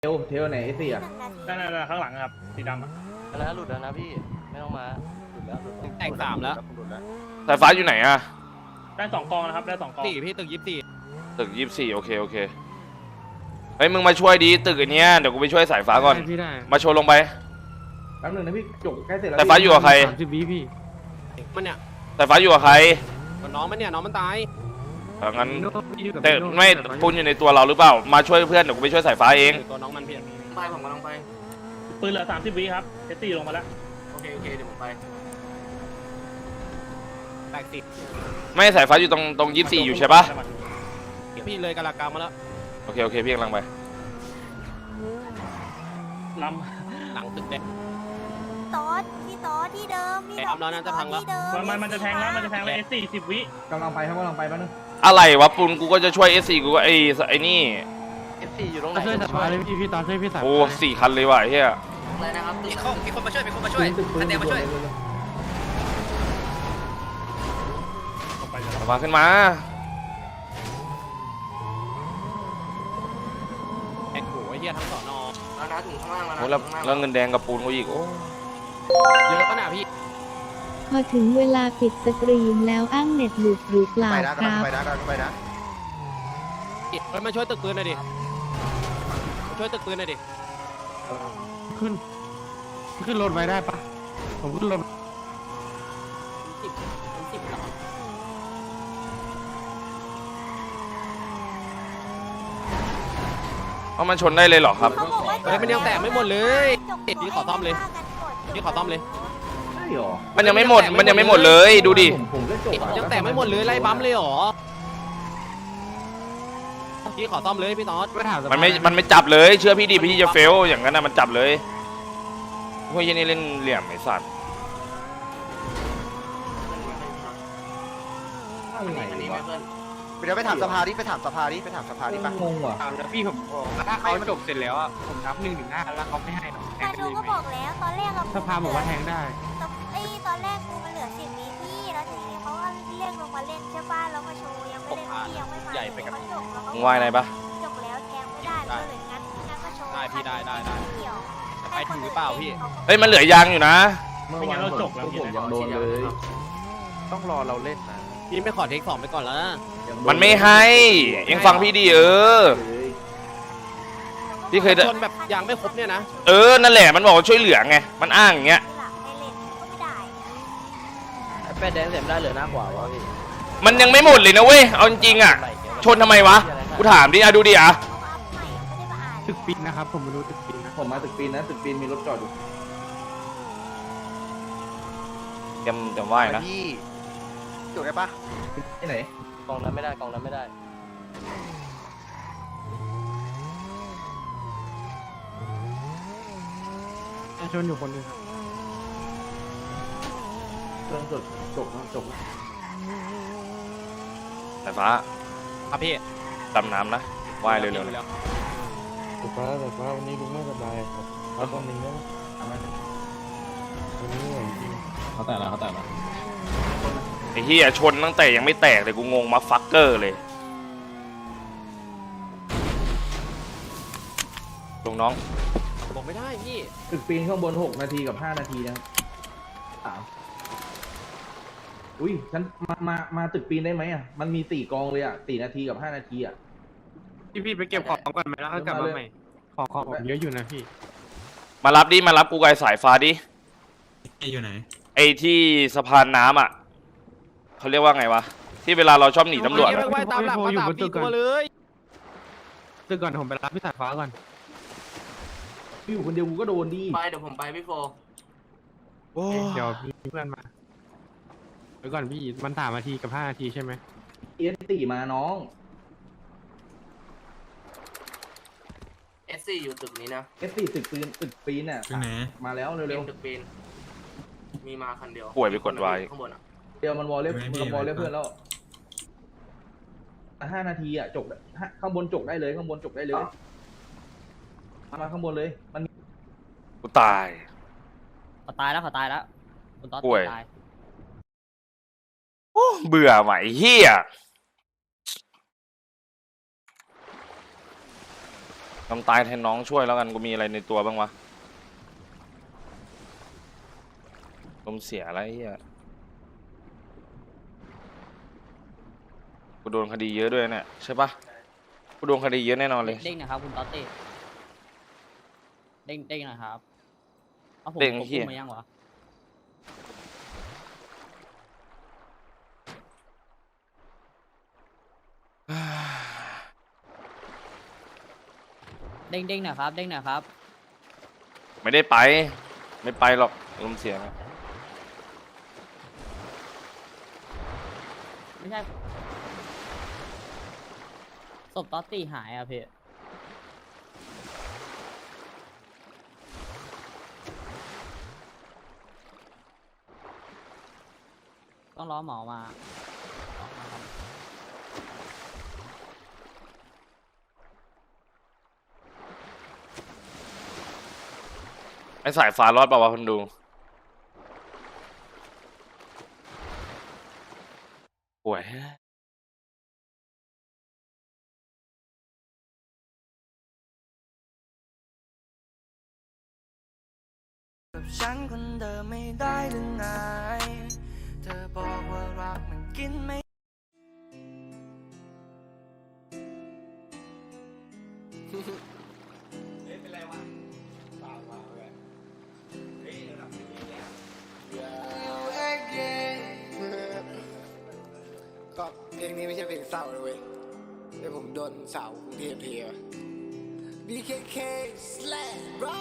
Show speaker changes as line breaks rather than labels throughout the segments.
เทลไหนสิอ่ะ
นั่นข้างหลังครับสีดำอ่ะ
แล้วหลุดแล้วนะพี่ไม่ต้องมาหลุดแล้ว
แต่ง3แล้ว
สายฟ้าอยู่ไหนอะ
ได้2 กองนะครับได้2 กอง
4พี่ตึก
ตึก24โอเคเฮ้ยมึงมาช่วยดีตึกอันเนี้ยเดี๋ยวกูไปช่วยสายฟ้าก่อนมาโชว์ลงไป
แป๊บนึงนะพี่จบใกล้เสร็จแล้ว
สายฟ้าอยู่กับใคร
30 วิพี่
มันเนี่ย
สายฟ้าอยู่กับใคร
น้องมันเนี่ยน้องมันตาย
งั้นแต่ไม่ปูนอยู่ในตัวเราหรือเปล่ามาช่วยเพื่อนเดี๋ยวกูไปช่วยสายฟ้าเอง
ตัวน้องมันพี่
ไปผมกำลังไป
ปืนเหลือ30 วิครับเจตตี้ลงมาแล้ว
โอเคเดี๋ยวผมไป
แตกติด
ไม่สายฟ้าอยู่ตรง24อยู่ใช่ปะ
พี่เลยกะลากรรมมาแล้ว
โอเคพี่กำลังไป
ล
หลังตึกแดง
พี่ต๊อดที่เดิมพี่
แอบแล้วนะจะพังแล้ว
ำมันจะแทงแล้ว40 วิ
กำลังไปแป๊บนึง
อะไรวะปูนกูก็จะช่วย SC กูก็ไอ้นี่
F4 อยู่ตรงไหน
ช่วยสายฟ้าเลยพี่ตอนช่วยพี่สาย
โอ้4 คันเลยว่ะไอ้เฮีย
อะไรนะครับมีคนมาช่วย
ปืนมาช่วย
สายฟ้าขึ้นมา
แอกโหไอ้เหี้ยทั้งสอนอ
แล้วนะถึงข้างล่างแล้ว
โอ้
นะ
แล้วเงินแดงกับปูนกูอีกโอ้
เยอะขนาดพี่
พอถึงเวลาปิดสตรีมแล้วอ้างเน็ตหลุดหรือเปล่าครับ
เฮ้ยมาช่วยตึกปืนหน่อยดิมาช่วยตึกปืนหน่อยดิ
ขึ้นรถไว้ได้ปะผมขึ้นรถ
เอามันชนได้เลยเหรอครับ
เฮ้ยมันยังแตกไม่หมดเลยพี่ขอซ่อมเลยพี่ขอซ่อมเลย
ใช่หรอ
มันยังไม่หมดเลยดูดิ
ผมก็จบ
ยังแตกไม่หมดเลยไล่บัมเลยเหรอพี่ขอซ่อมเลยพี่ต๊อด
ไปถาม
มันไม่จับเลยเชื่อพี่ดิพี่จะเฟลอย่างนั้นนะมันจับเลยพวกยี่นี่เล่นเหลี่ยมไอ้สัตว์
อะไรวะ
เดี๋ยวไปถามสภาดิไปถามสภาดิปะ
งงว่ะ
พี่ผมถ้าเขาจบเสร็จแล้วอ่ะผมนับ1 ถึง 5แล้วเขาไม่ให้หรอกแทง
มา
ได้
ดู
เลย
ก็
ไหม
บอกแล้วตอนแรกเรา
สภาบอกว่าแทงได้
ตอนแรกกูมันเหลือ10 วิพี่แล้วทีนี้เขาก็เรียกลงมาเล่นใช่ป่ะแล้วมาโชว์ยังไม่เล่นพี่ยังไม่มาเขาจบแล้ว
มึงว่าไงปะ
จบแล้วแทงไม่ได้ก็เลยงั้นก็โชว์
ได้พี่ได้
เกี่ยว
ไปถึงหรือเปล่าพี่
เฮ้ยมันเหลือยางอยู่นะ
ไม่งั้นเราจบแล้ว
ผมยังโดนเลย
ต้องรอเราเล่นนะ
พี่ไม่ขอเทค2ไปก่อนแล้วนะ
มันไม่ให้เอ็งฟังพี่ดิพี่เคย
ชนแบบยางไม่ครบเนี่ยนะ
นั่นแหละมันบอกว่าช่วยเหลือไงมันอ้างอย่างเงี้ย
แป้แดงเสียมได้เหลือหน้ากว่าวะพี่
มันยังไม่หมดเลยนะเว้ยเอาจริงๆอ่ะชนทำไมวะกูถามดิดูดิอ่ะ
ตึกปิดนะครับผมไม่รู้ตึกปิดนะ
ผมมาตึกปีนนะตึกปีนมีรถจอดอยู่
เตรียมไหว้นะ
พี่จุดได้ปะ
ที่ไหน
กองนั้นไม่ได้กองนั้นไม่ได้
ชนอยู่คนนึงครับ
เครื่องจบ
สายฟ้า
ครับพี่
ดำน้ำนะไหว้เร็วๆนะ
แต่ฟ้าวันนี้ลุงไม่สบายครับเอาตอนนึงได้ไหมวันนี้เหนื่อยจริง
เขาแต่ละ
ไอ้เหี้ยชนตั้งแต่ยังไม่แตกเลยกูงงมาฟักเกอร์เลยลงน้อง
บอกไม่ได้พี่
ตึกปีนข้างบน6 นาทีกับ5 นาทีนะครับอุ้ยฉันมาตึกปีนได้ไหมอ่ะมันมี4 กองเลยอ่ะ4 นาทีกับ5 นาทีอ่ะ
พี่ไปเก็บของก่อนไหมแล้วก็กลับมาใหม่ของผมเยอะอยู่นะพี่
มารับกูไกลสายฟ้าดิ
อยู่ไหน
ไอ้ที่สะพานน้ำอ่ะเขาเรียกว่าไงวะที่เวลาเราชอบหนีตำรวจ
ไม่
อะ
ไหวตามหลังมาตามพี่ตัวเลย
ตึกก่อนผมไปรับพี่สายฟ้าก่อน
พี่อยู่คนเดียวกูก็โดนดิ
ไปเดี๋ยวผมไปพี่โฟ
เดี๋ยวมีเพื่อนมาไปก่อนพี่มัน3 นาทีกับ5 นาทีใช่ไหม
เอสตีมาน้อง
S4 อยู่ตึกนี้นะ
เอสตีตึกปีนอ่ะ
ตึกไหน
มาแล้วเร็ว
ตึกปีนมีมาคันเดียว
ป่วยไปกดไว้
ข้างบนอ่ะ
ๆเดี๋ยวมันวอลเล่เพื่อนแล้ว5 นาทีอ่ะจบข้างบนจบได้เลยมาข้างบนเลยมัน
กูตาย
เขาตายแล้วคุณต๊อด
ป่วย
ตาย
โอ้เบื่อไหมเฮียทำตายแทนน้องช่วยแล้วกันกูมีอะไรในตัวบ้างวะลมเสียอะไรเหี้ยกูโดนคดีเยอะด้วยเนี่ยใช่ปะกูโดนคดีเยอะแน่นอนเลย
เด้งนะครับคุณต๊อตเต้เด้งนะครับเอาผม
เด้ง
ผม
เหี้
พู
ย
ดมายังวะเด้งนะครับเด้งนะครับ
ไม่ได้ไป ไม่ไปหรอกลมเสียนะ
ไม่ใช่ศพต๊อตตี้หายอ่ะพี่ต้องรอหมอมาครับ
ไอสายฟ้ารอดเปล่าวะคนดูป่วย
กับฉันคนเดิมไม่ได้หรือไงเธอบอกว่ารักมันกินไม่
ก็เพลงนี้ไม่ใช่เพลงเศร้าเลยเว้ยแต่ผมโดนสาวกรุงเทพเทีย BKK slash bro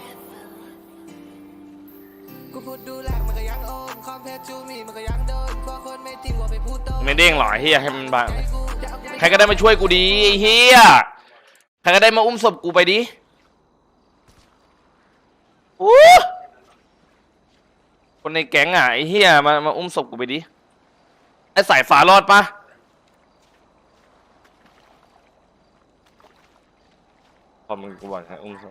กูพูดดูแลมันก็ยังโอนคอมเพลจูมีมันก็ยังโดนกว่าคนไม่ทิ้งว่าไปพูดโต
ไม่เด้งหรอไอ้เฮียให้มันบางใครก็ได้มาช่วยกูดีไอ้เฮียใครก็ได้มาอุ้มศพกูไปดิอู้คนในแก๊งอ่ะไอ้เฮียมาอุ้มศพกูไปดิไอ้สายฟ้ารอดปะพอมึงกูบอกให้อุ้มศพ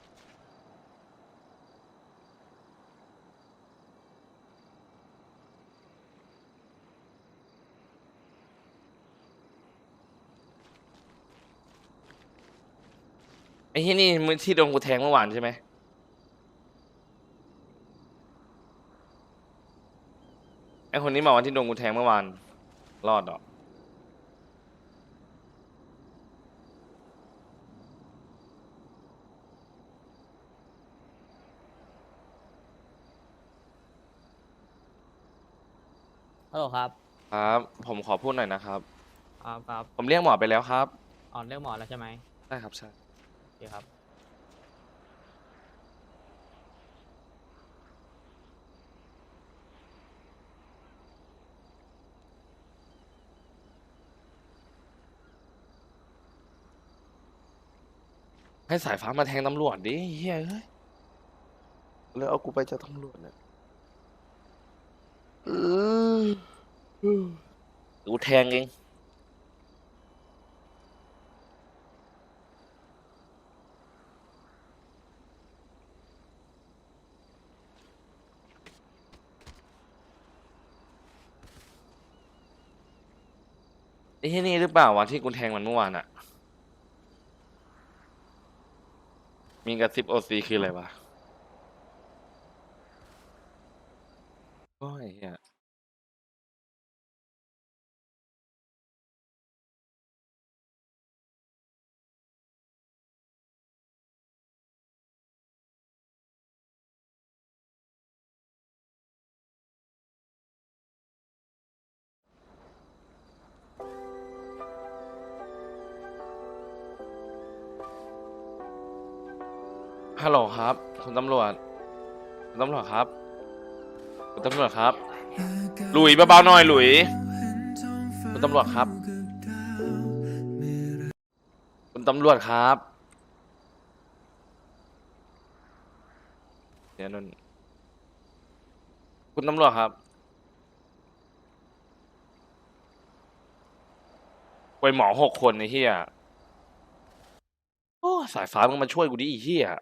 ไอ้ที่นี่มือที่โดนกูแทงเมื่อวานใช่ไหมไอ้คนนี้มาวันที่โดนกูแทงเมื่อวานรอดเหรอ
ฮัลโหลครับ
ครับผมขอพูดหน่อยนะครับ
ครับ
ผมเรียกหมอไปแล้วครับ
อ๋อเรื่องหมอแล้วใช่ไหม
ได้ครับใช่
โอเคครับ
ให้สายฟ้ามาแทงตำรวจดิเฮ้ยเฮ้ยแล้วเอากูไปจากตำรวจเนี่ยกูแทงเองไอ้ที่นี่หรือเปล่าวะที่กูแทงมันเมื่อวานอะมีกระซิบโอซีคืออะไรวะโอ้ยเฮียฮัลโหลครับคุณตำรวจคุณตำรวจครับคุณตำรวจครับหลุยเบาๆหน่อยหลุยคุณตำรวจครับคุณตำรวจครับเดี๋ยวนนคุณตำรวจครับไปหมอ6 คนไอ้เหี้ยโอ้สายฟ้ามึงมาช่วยกูดิไอ้เหี้ย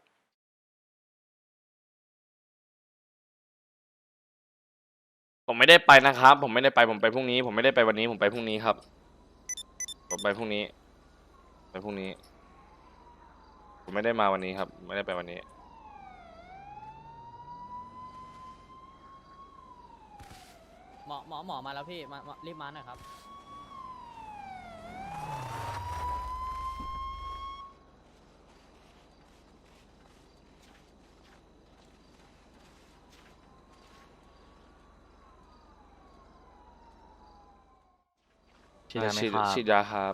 ผมไม่ได้ไปนะครับ ผมไม่ได้ไปผมไปพรุ่งนี้ผมไม่ได้ไปวันนี้ผมไปพรุ่งนี้ครับผมไปพรุ่งนี้ไปพรุ่งนี้ผมไม่ได้มาวันนี้ครับ ไม่ได้ไปวันนี้
หมอมาแล้วพี่มารีบมาหน่อยครับ
ฉีดยาครับ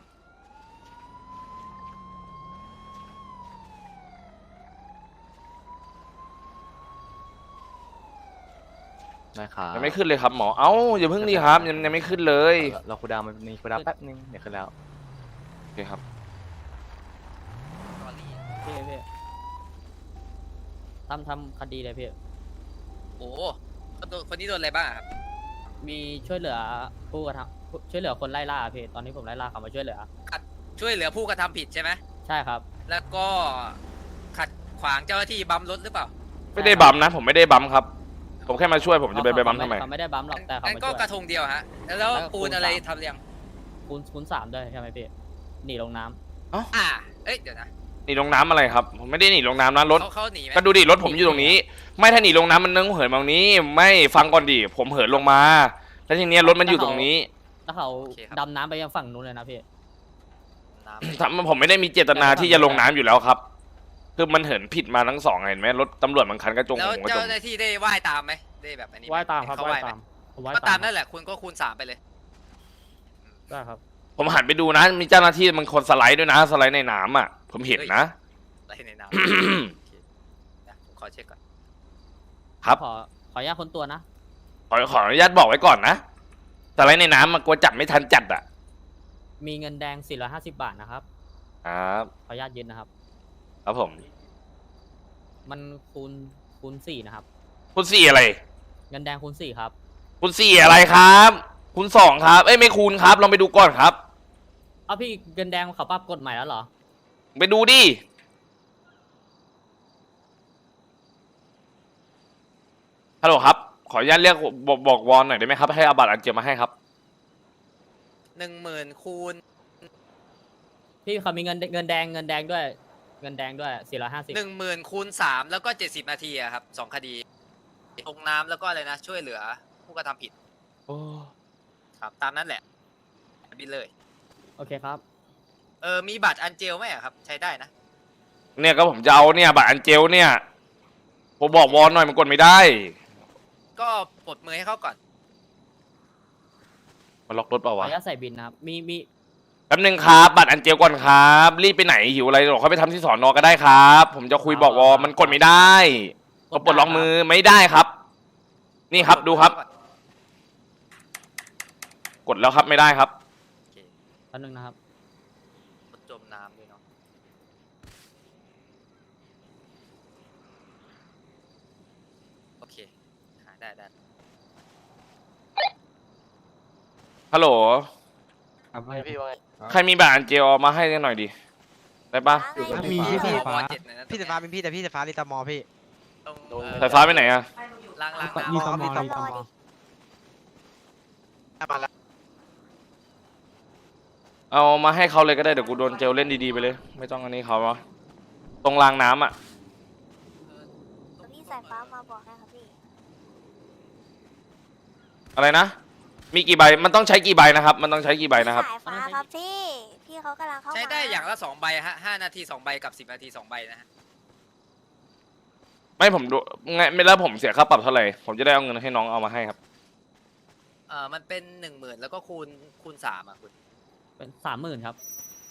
ได้ครับ
ยังไม่ขึ้นเลยครับหมอ เอ้าอย่าเพิ่งดีครับ ยังไม่ขึ้นเลย
เราคูลดาวน์มันมีคูลดาวน์แป๊บนึงเดี๋ยวขึ้นแล้ว
โอเคครับ
พี่ทำคดีเลยพี่
โอ้คนนี้โดนอะไรบ้างครับ
มีช่วยเหลือผู้กระทำช่วยเหลือคนไล่ล่าพี่ตอนนี้ผมไล่ล่าเขามาช่วยเหลือ
ช่วยเหลือผู้กระทำผิดใช่ไหม
ใช่ครับ
แล้วก็ขัดขวางเจ้าหน้าที่บัมรถหรือเปล่า
ไม่ได้บัมนะ ผมไม่ได้บัมครับ ผมแค่มาช่วยผมจะไปบัมทำไม
เขาไม่ได้บัมหรอกแต่เขา
งั้น
มา
ก็
ช่วย
กระทงเดียวฮะ แล้วปูนอะไรทำเรียง
คูณ3ด้วยใช่ไหมพี่หนีลงน้ำ
เอ้ยเดี๋ยวนะ
หนีลงน้ำอะไรครับ ผมไม่ได้หนีลงน้ำนะรถ
เขาหนีไหม
ก็ดูดิรถผมอยู่ตรงนี้ ไม่ถ้าหนีลงน้ำมันนึงเหินมาตรงนี้ ไม่ฟังก่อนดิผมเหินลงมา แล้วทีเนี้ยรถมันอยู่ตรงนี้
แล้วเขาดำน้ำไปยังฝั่งนู้นเลยนะพี่
ผมไม่ได้มีเจตนาที่จะลงน้ำอยู่แล้วครับ คือมันเหินผิดมาทั้งสองเห็นไหมรถตำรวจบางคันก็จง
แล้ว
ผมก็จ
เจ้าง หน้าที่ได้ว่ายตามไหมได้แบบอันนี้ไหม
ว่ายตามครับ
เขา
ว่า
ว่าย ยไหม
ตามผมว่าย
ก็ตา
ตาม ม
นั่นแหละคุณก็คูณ3ไปเลย
ได้ครับ
ผมหันไปดูนะ มีเจ้าหน้าที่มันคนสไลด์ด้วยนะ สไลด์ในน้ำอ่ะ ผมเห็นนะ
อะไรในน้ำ โอเคนะผมขอเช็คก่อน
ครับ
ขออนุญาตคนตัวนะ
ขออนุญาตบอกไว้ก่อนนะ สไลด์ในน้ำมันกลัวจับไม่ทันจัดอ่ะ
มีเงินแดง450 บาทนะครับ
ครับ
ขออนุญาตยึดนะครับ
ครับผม
มันคูณ4นะครับ
คุณสี่อะไร
เงินแดงคูณ4ครับ
คุณสี่อะไรครับ คุณสองครับ เอ้ยไม่คูณครับ ลองไปดูก่อนครับ
เอาพี่เงินแดงเขาปรับกฎใหม่แล้วเหรอ
ไปดูดิ ฮัลโหลครับ ขออนุญาตเรียกบอกวอนหน่อยได้ไหมครับ ให้เอาบัตรอันเจียมาให้ครับ
10,000คูณ
พี่เขามีเงินแดงด้วย เงินแดงด้วย450
10,000คูณ3แล้วก็70 นาทีอะครับ2 คดีลงน้ำแล้วก็อะไรนะ ช่วยเหลือผู้กระทำผิด
โอ้
ครับตามนั้นแหละบินเลย
โอเคครับ
มีบัตรอันเจลไหมอะครับ ใช้ได้นะ
เนี่ยก็ผมจะเอาเนี่ยบัตรอันเจลเนี่ย ผมบอกวอนหน่อยมันกดไม่ได้
ก็ปลดมือให้เขาก่อน
มันล็อกรถเปล่า
ขอ
วะ
อนุญาตใส่บินนะครับ มี
แป๊บนึงครับ บัตรอันเจลก่อนครับ รีบไปไหนหิวอะไรหรอกเขาไปทำที่สอนอก็ได้ครับ ผมจะคุยบอกวอมันกดไม่ได้ก็ปลดล็อกมือไม่ได้ครับ นี่ครับดูครับ กดแล้วครับไม่ได้ครับ
โอเค
แป๊บนึงนะครับ
รถจมน้ำด้วยเนาะ โอเคหาได้
ฮัลโหล
ครับพี่ว่าไง
ใครมีบัตรอันเจลเอามาให้หน่อยดิ ได้ปะ
มีพี่สายฟ้า
พี่สายฟ้าเป็นพี่แต่พี่สายฟ้าลิตามอพี่
สายฟ้าไปไหนอะ
ล้างน้ำ
มีตม
มีตม
มาแล้ว
เอามาให้เขาเลยก็ได้เดี๋ยวกูโดนเจลเล่นดีๆไปเลย ไม่ต้องอันนี้เขาวะตรงรางน้ำอะ
พี่สายฟ้ามาบอกนะครับพี่
อะไรนะ มีกี่ใบ มันต้องใช้กี่ใบนะครับ มันต้องใช้กี่ใบนะครับ
สายฟ้าครับพี่เขากำลังเข้ามา
ใช้ได้อย่างละ2 ใบฮะ5 นาที 2 ใบกับ10 นาที 2 ใบนะฮะ
ไม่ผมดูไงไม่แล้วผมเสียค่าปรับเท่าไหร่ ผมจะได้เอาเงินให้น้องเอามาให้ครับ
มันเป็น 10,000แล้วก็คูณ3อ่ะคุณ
เป็น30,000ครับ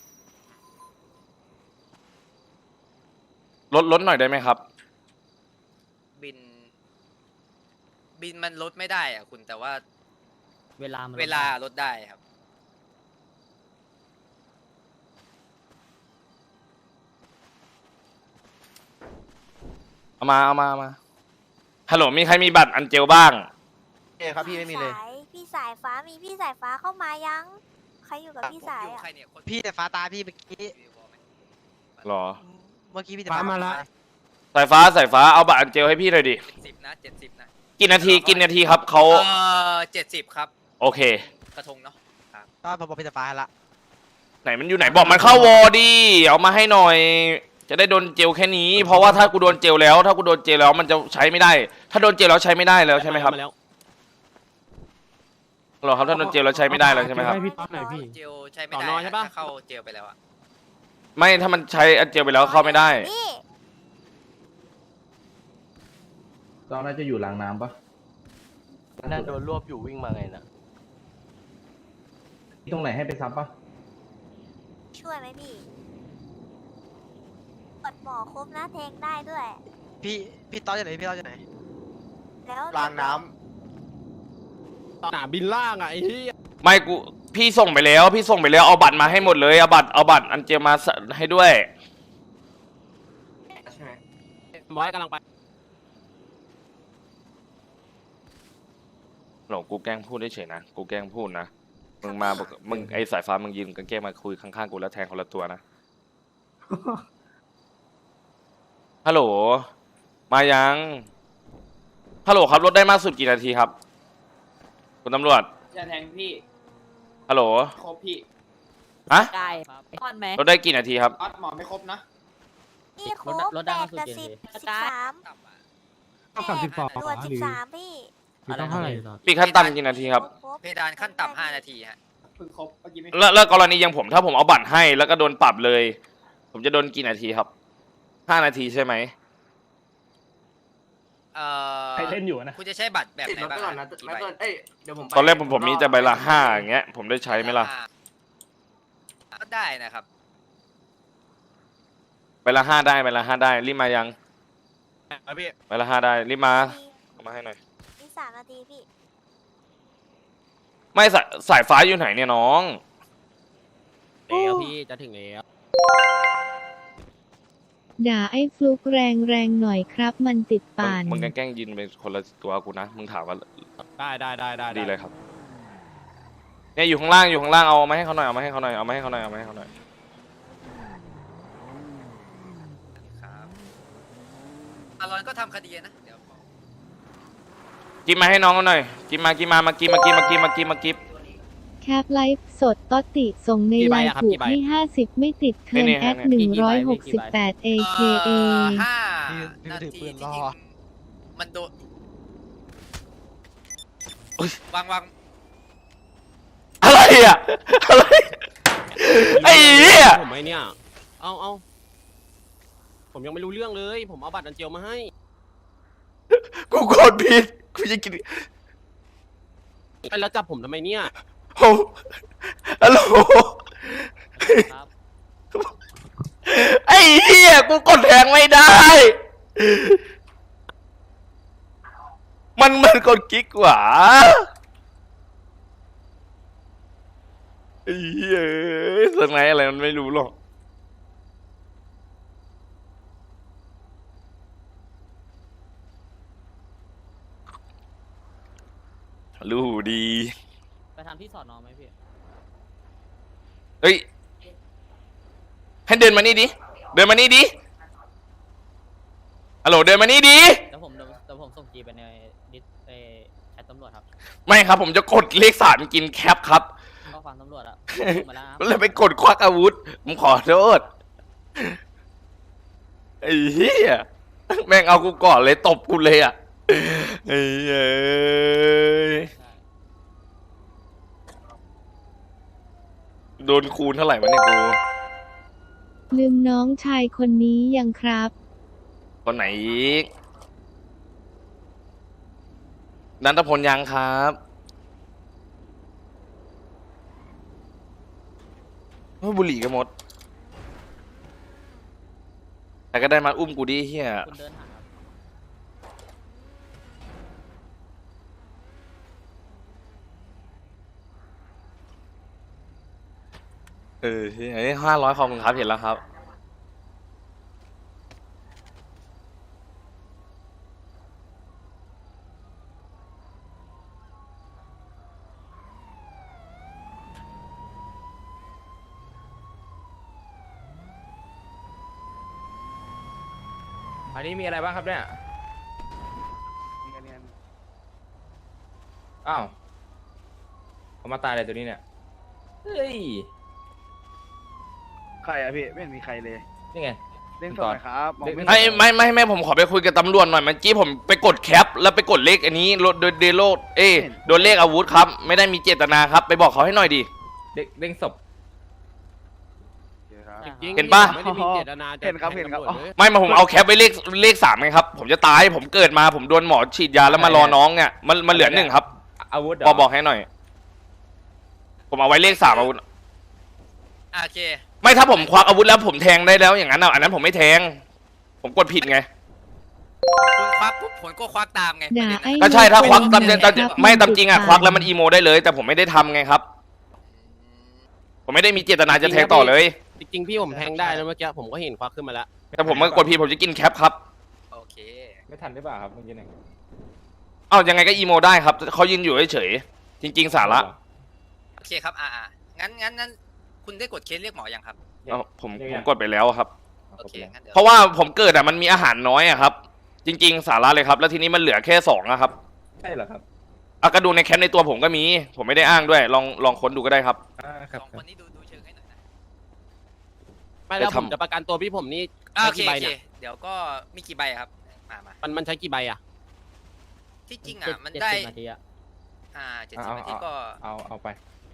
ลดหน่อยได้ไหมครับ
บินมันลดไม่ได้อ่ะคุณแต่ว่า
เวลามัน
เวลาลดได้ครับ
เอามาฮัลโหลมีใครมีบัตรอันเจลบ้าง
เอ้ครับพี่ไม่มีเลย
พี่สายฟ้ามีพี่สายฟ้าเข้ามายัง ใครอยู่กับพี่สาย
อยู่
อ่ะ
ใครเนี่ยคน
พี่แต่ฟ้าตาพี่เมื่อกี้
หรอ
เมื่อกี้พี่แต่ฟ้ามาละ
สายฟ้าเอาบัตรอันเจลให้พี่หน่อยดิ
70นะ70นะ
กี่นาทีครับเขา
70ครับ
โอเค
กระทงเนาะ
ก็ผมบอกพี่แต่ฟ้าให้ละ
ไหนมันอยู่ไหนบอกมันเข้าวอดีเอามาให้หน่อยจะได้โดนเจลแค่นี้ เพราะว่าถ้ากูโดนเจลแล้ว ถ้ากูโดนเจลแล้วมันจะใช้ไม่ได้ ถ้าโดนเจลแล้วใช้ไม่ได้แล้วใช่ไหมครับหรอครับถ้าโดนเจลแล้วใช้ไม่ได้แล้วใช่ไหมครับ
ให้พี่ต๊อดหน่อยพี่
เจลใช้ไม่ได้
ต่อนอนใช่ปะ
ถ้าเข้าเจลไปแล้วอะ
ไม่ถ้ามันใช้เจลไปแล้วเข้าไม่ได้
พี่
ตอนน่าจะอยู่หลังน้ำปะ
น่าโดนรวบอยู่วิ่งมาไงน่ะ
ตรงไหนให้ไปซับปะ
ช่วยไหมพี่กดหมอครบนะแทงได้ด้วย
พี่ต้อจะไหนพี่ต้อจะไหน
แล้ว
ล้างน้
สนามบินล่างอ่ะไอ้ที่
ไม่กูพี่ส่งไปแล้ว พี่ส่งไปแล้วเอาบัตรมาให้หมดเลยเอาบัตรอันเจลมาให้ด้วย
ใช่ไหม
บอยกำลังไป
หลงกูแกล้งพูดเฉยๆนะกูแกล้งพูดนะมึงมาบอกมึงไอสายฟ้ามึงยืนกันแกล้งมาคุยข้างๆกูแล้วแทงคนละตัวนะ ฮัลโหลมายังฮัลโหลครับรถได้มากสุดกี่นาทีครับคุณตำรวจ
จะแทงพี่
ฮัลโหล
ครบพี่
ฮะ
ได้ครับก้อนไหม
รถได้กี่นาทีครับ
ออดหมอไม่ครบนะ
พี่ครบ
รถได้
8
มาสุด
กับ
กี่
10
นาที
13
ต่ำอะ
ต้องกับ12
ตรวจ13พี่
พี่ต้องเท่าไหร่
ปีขั้นต่ำกี่นาทีครับ
ครบ
เพดานขั้นต่ำ5 นาทีฮะ
เพิ่งครบเมื่อกี้ไม่
แล้วกรณีอย่างผมถ้าผมเอาบัตรให้แล้วก็โดนปรับเลย ผมจะโดนกี่นาทีครับ5 นาทีใช่ไหม
ใครเล่นอยู่นะ
คุณจะใช้บัตรแบบ
ติด
ไหน
รถ
บ้า
ไป
ง
ก่อนนะ
กี่
ไม่
ใบ
เกินเดี๋ยวผมไป
ตอนแรกผมมีแต่ใบละ5อย่างเงี้ยผมได้ใช้ไหมล่ะ
ก็ได้นะครับ
ใบละ5ได้ใบละ5ได้รีบมายัง
พี่
ใบละ5ได้รีบมาเอามาให้หน่อย
มี3 นาทีพี่
ไม่สายฟ้าอยู่ไหนเนี่ยน้อง
แล้วพี่จะถึงแล้ว
ด่าไอ้ฟลุกแรงหน่อยครับมันติดป่าน
มึงแกล้งยินเป็นคนละตัวกูนะมึงถามว่า
ได้
ดีเลยครับเนี่ยอยู่ข้างล่างเอามาให้เขาหน่อยเอามาให้เขาหน่อยเอามาให้เขาหน่อยเอามาให้เขาหน่อย
ครับอารอนก็ทำคดีนะเดี๋ยว
กินมาให้น้องเขาหน่อยกินมากิบ
แคปไลฟ์สดตอติส่งในไลน์ถูกให้50 ไม่ติดเทิร์นแอด168 AKA
5 นาทีที่จริงมันโดนวาง
อะไรอ่ะอะไรไอ้เหี้ย
ผมไอ้เนี่ยเอาผมยังไม่รู้เรื่องเลย ผมเอาบัตรอันเจลมาให้
กูกดผิดกูจะกิน
ไอ้แล้วจับผมทำไมเนี่ย
โอ้ฮัลโหล
ครับ
ไอ้เหี้ยกูกดแทงไม่ได้ มันกดกิ๊กหว่าไอ้เหี้ยสไนอะไรมันไม่รู้หรอกรู้ดี
ไปทำที่สอนอไหมพี่
เฮ้ยให้เดินมานี่ดิฮัลโหลเดินมานี่ดิ
เดี๋ยวผมส่งจีไปในดิสแชทตำรวจครับ
ไม่ครับผมจะกดเลข3กินแคปครับ
ก็ฟังตำรวจอ่ะส่งมาแล้วครับ
เลยไปกดควักอาวุธผมขอโทษไอ้เหี้ยแม่งเอากูก่อนเลยตบกูเลยอ่ะไอ้เอ้ยโดนคูณเท่าไหร่วะเนี่ยกู
ลืมน้องชายคนนี้ยังครับ
คนไหนอีกนันทพลยังครับบุหรี่กันหมดแต่ก็ได้มาอุ้มกูดิเฮีย
คุณเดินหาครับ
ไอ้500ขอบคุณครับเห็นแล้วครับ
อันนี้มีอะไรบ้างครับเนี่ย อ้าวเขามาตายอะไรตัวนี้เนี่ย เฮ้ย
ใครอะพี่ไม่เห็นมีใครเลย
นี่ไง
เด้งสดหน่อยครับมองไม่
ไอ้ไม่ผมขอไปคุยกับตำรวจหน่อยเมื่อกี้ผมไปกดแคปแล้วไปกดเลขอันนี้โดนเดโลโดนเลขอาวุธครับไม่ได้มีเจตนาครับไปบอกเขาให้หน่อยดิ
เด้งศพ
จริงๆ
เห็นปะ
ไม่ได้มีเจตนาจะ
เห็นครับเห็นครับ
แทงตำวจเลย
ไม่มาผมเอาแคปไปเลข3ไงครับผมจะตายผมเกิดมาผมโดนหมอฉีดยาแล้วมารอน้องเนี่ยมันเหลือ1ครับ
อาวุธ
บอกให้หน่อย ผมเอาไว้เลข3อาวุธ
โอเค
ไม่ถ้าผมควักอาวุธแล้วผมแทงได้แล้วอย่างนั้นอันนั้นผมไม่แทง ผมกดผิดไง
คุณควักปุ๊บผมก็ควักตามไง
ด่าไอ้
ก็ใช่ถ้าควัก
ห
ตามจริง
ครับ
ไม่ตามจริงควักแล้วมันอีโมได้เลย แต่ผมไม่ได้ทำไงครับ ผมไม่ได้มีเจตนาจะแทงต่อเลย
จริงๆพี่ผมแทงได้แล้วเมื่อกี้ผมก็เห็นควักขึ้นมาแล้ว
แต่ผมมากดผิดผมจะกินแคปครับ
โอเค
ไม่ทันได้ป่ะครับเมื่อกี้เนี่ย
เอ้ายังไงก็อีโมได้ครับเขายืนอยู่เฉยๆจริง ๆ สาระ
โอเคครับงั้นคุณได้กดเคสเรียกหมอยังครับ
เอ้าผมกดไปแล้วครับ
โอเคงั้นเดี๋ยว
เพราะว่าผมเกิดมันมีอาหารน้อยครับ จริง ๆ สาระเลยครับ แล้วทีนี้มันเหลือแค่2ครับ
ใช่เหรอครับ
ก็ดูในแคปในตัวผมก็มี ผมไม่ได้อ้างด้วยลองค้นดูก็ได้ครับ
ครับ
สองคนนี้ดูเชิงให้หน่อยนะ
ไม่แล้ว
ไป
ผ
ทำ
มจะประกันตัวพี่ผมนี่
โอ
ใช้
เค
กี่ใบ
โอเค
เนี่ย
เดี๋ยวก็มีกี่ใบครับมา
มันใช้กี่ใบอ่ะ
ที่จริงมัน
70
ได้
นาทีอะ
70นาทีก็
เอาไป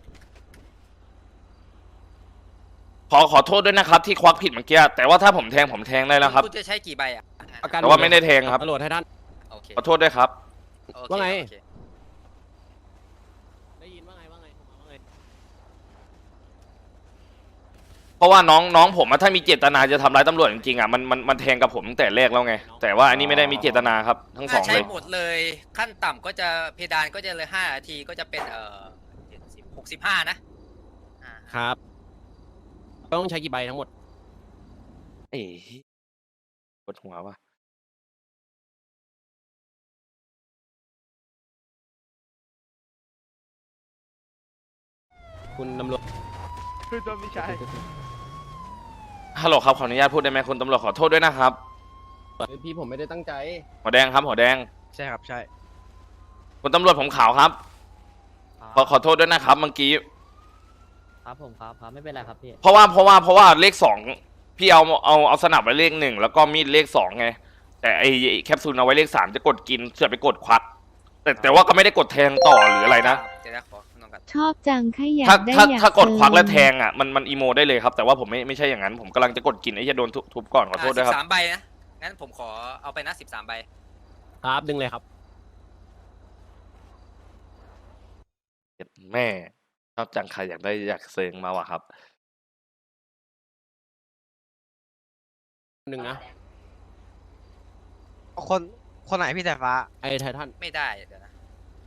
ขอโทษด้วยนะครับ ที่ควักผิดเมื่อกี้แต่ว่าถ้าผมแทงได้แล้วครับ
คุณจะใช้กี่ใบอ่ะ
ประกัน
แต่ว่าไม่ได้แทงครับ
ตำรวจให้ท่าน
โอเค
ขอโทษด้วยครับ
โอเค
ว่าไง
โอเค
ได้ยินว่าไงว่าไงว่าไง
เพราะว่าน้องผมถ้ามีเจตนาจะทำร้ายตำรวจจริงๆมันแทงกับผมตั้งแต่แรกแล้วไง แต่ว่าอันนี้ไม่ได้มีเจตนาครับทั้งส
ถ้า
อง
ใช้
เลย
หมดเลยขั้นต่ำก็จะเพดานก็จะเลย5นาทีก็จะเป็น65นะอ่า
ครับต้องใช้กี่ใบทั้งหมด
เอ๊ะปวดหัวว่ะ
คุณตำรวจ
คือตัวพี่ชาย
ฮัลโหลครับขออนุญาตพูดได้ไหมคุณตำรวจขอโทษด้วยนะครับ
พี่ผมไม่ได้ตั้งใจ
หัวแดงครับหัวแดง
ใช่ครับใช่
คุณตำรวจผมขาวครับขอโทษด้วยนะครับเมื่อกี้
ครับผมครับไม่เป็นไรครับพี่
เพราะว่าเลข2พี่เอาสนับไว้เลข1แล้วก็มีดเลข2ไงแต่ไอแคปซูลเอาไว้เลข3จะกดกินเสือไปกดควักแต่ว่าก็ไม่ได้กดแทงต่อหรืออะไรนะ
เดี๋ยวนะขอน้องกัน
ชอบจังแค่อยาก
ถ้า
ได้
ถ้า
อยาก
ถ้ากดควัก
เติม
แล้วแทงมันอีโมได้เลยครับแต่ว่าผมไม่ใช่อย่างนั้นผมกำลังจะกดกินไอ้จะโดนทุบก่อนขอโทษด้วยครับ
13ใบนะงั้นผมขอเอาไปนะ13ใบ
ครับดึงเลยครับ
แม่ชอบจังใครอยากเซิงมาว่ะครับ
หนึ่งนะ
คนไหนพี่สายฟ้า
ไอ้ไททัน
ไม่ได้เดี๋ยวนะ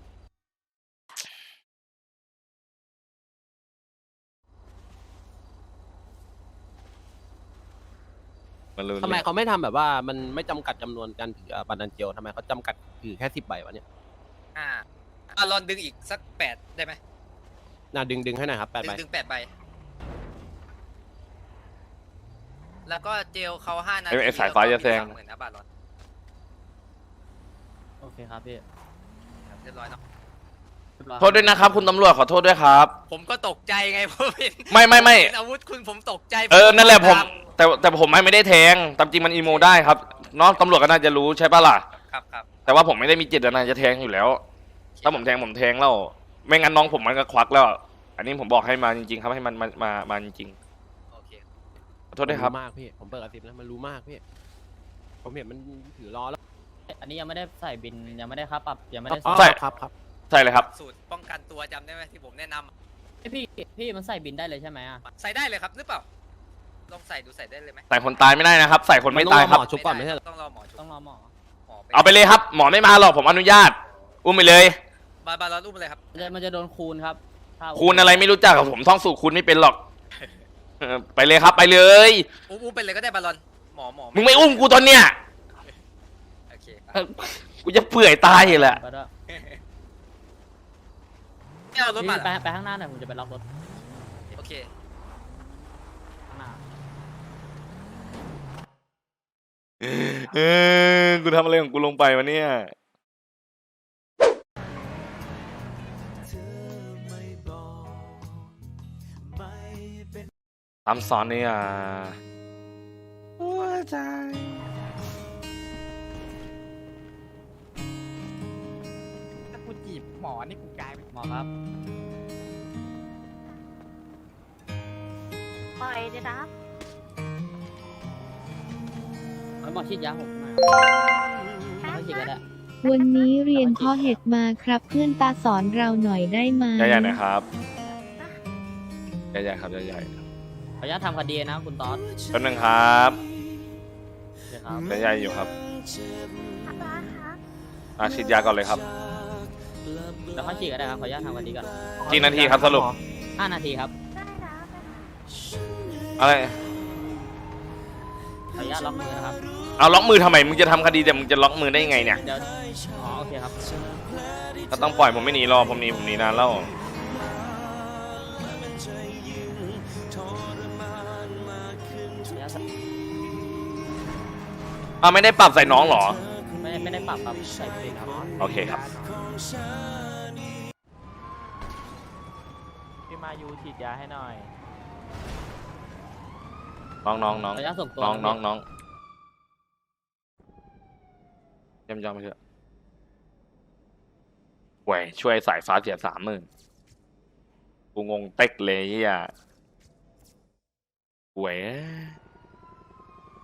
ทำไมเขาไม่ทำแบบว่ามันไม่จำกัดจำนวนการถือบัตรดันเจียวทำไมเขาจำกัดถือแค่10 ใบวะเนี่ย
ลองดึงอีกสัก8ได้ไหม
น่าดึงให้หน่อยครับ8 ใบ
ดึง8ใบแล้วก็เจลเขา5นาที
ไอ้สายฟ้าจะแซง
เหมือนนะบาทร้อน
โอเคครับพี่
เรียบร้อยเนาะ
โทษด้วยนะครับคุณตำรวจขอโทษด้วยครับ
ผมก็ตกใจไงเพราะเป็น
ไม่
เป็นอาวุธคุณผมตกใจ
นั่นแหละผมแต่ผมไม่ได้แทงตามจริงมันอีโมได้ครับน้องตำรวจก็น่าจะรู้ใช่ปะล่ะ
ครับ
แต่ว่าผมไม่ได้มีเจตนาจะแทงอยู่แล้ว ถ้าผมแทงแล้วไม่งั้นน้องผมมันก็ควักแล้ว อันนี้ผมบอกให้มาจริงๆครับให้มันมาจริง
โอเค
ๆขอโทษด้วยครับ
มากพี่ผมเปิดกระติบแล้วมันรู้มากพี่ผมเห็นมันถือล้อแล้ว
อันนี้ยังไม่ได้ใส่บินยังไม่ได้ค่าปรับยังไม่ได้
ใส่
ครับ
ใช่เลยครับ
สูตรป้องกันตัวจำได้ไหมที่ผมแนะนำ
พี่มันใส่บินได้เลยใช่ไหมอ่ะ
ใส่ได้เลยครับหรือเปล่าลองใส่ดูใส่ได้เลยไหม
ใส่คนตายไม่ได้นะครับ ใส่คนไม่ตายครับ
ชุบก่อนไม่ใช่เหรอ
ต้องรอหมอชุบ
ต้องรอหมอ
เอาไปเลยครับ หมอไม่มาหรอกผมอนุญาต อุ้มไปเลย
บาลอนอุ้มเลยครับ
มันจะโดนคูณครับถ้า
คูณอะไรไม่รู้จักกับผมท่องสูตรคูณไม่เป็นหรอกไปเลยครับไปเลย
อุ้มไปเลยก็ได้บาลอนหมอ
มึงไม่อุ้มกูตอนเนี้ย
โอเค
กูจะเปื่อยตายเลยแหละ
ก็ได้
ไม่เอารถมา
ไปข้างหน้าหน่อยผมจะไปล็อกรถ
โอเค
ข้างหน้า
กูทำอะไรของกูลงไปวะเนี่ยตามสอนเนี่ยใจ
ถ้ากูจีบหมอนี่กูกลายเป็นหมอครับ
ปล่อยเลยนะ
หมอฉีดยาผมมาไม่ฉีดก็ได้
วันนี้เรียนข้อเห็ดมาครับเพื่อนตาสอนเราหน่อยได้ไหม
ใหญ่ๆนะครับใหญ่ๆครับใหญ่ๆ
ขออนุญาตทำคดีนะคุณต๊อด
แป๊บนึงครับ
เดี๋ยวครับ
ใหญ่ๆอยู่ครับ
ครับ
ฉีดยาก่อนเลยครับ
แล้วค่อยฉีดก็ได้ครับขออนุญาตทำคดีก่อน
กี่นาทีครับสรุป
5 นาทีครับ
ได้นะ
อะไร
ขออนุญาตล็อกมือนะครับ
เอาล็อกมือทำไมมึงจะทำคดีแต่มึงจะล็อกมือได้ยังไงเนี่ย
เดี๋ยวอ๋อโอเคครับ
ก็ต้องปล่อยผมไม่หนีรอผมหนีนานแล้วไม่ได้ปรับใส่น้องเหรอ
ไม่ได้ปรับครับใส่เพลงครับ
โอเคครับ
พี่มายูฉีดยาให้หน่อย
น้อง
ขออนุญาตส่งตัว
น้องเยี่ยมยอดไปเถอะแหวช่วยสายฟ้าเสีย30,000กูงงเต็กเลยเฮียแหว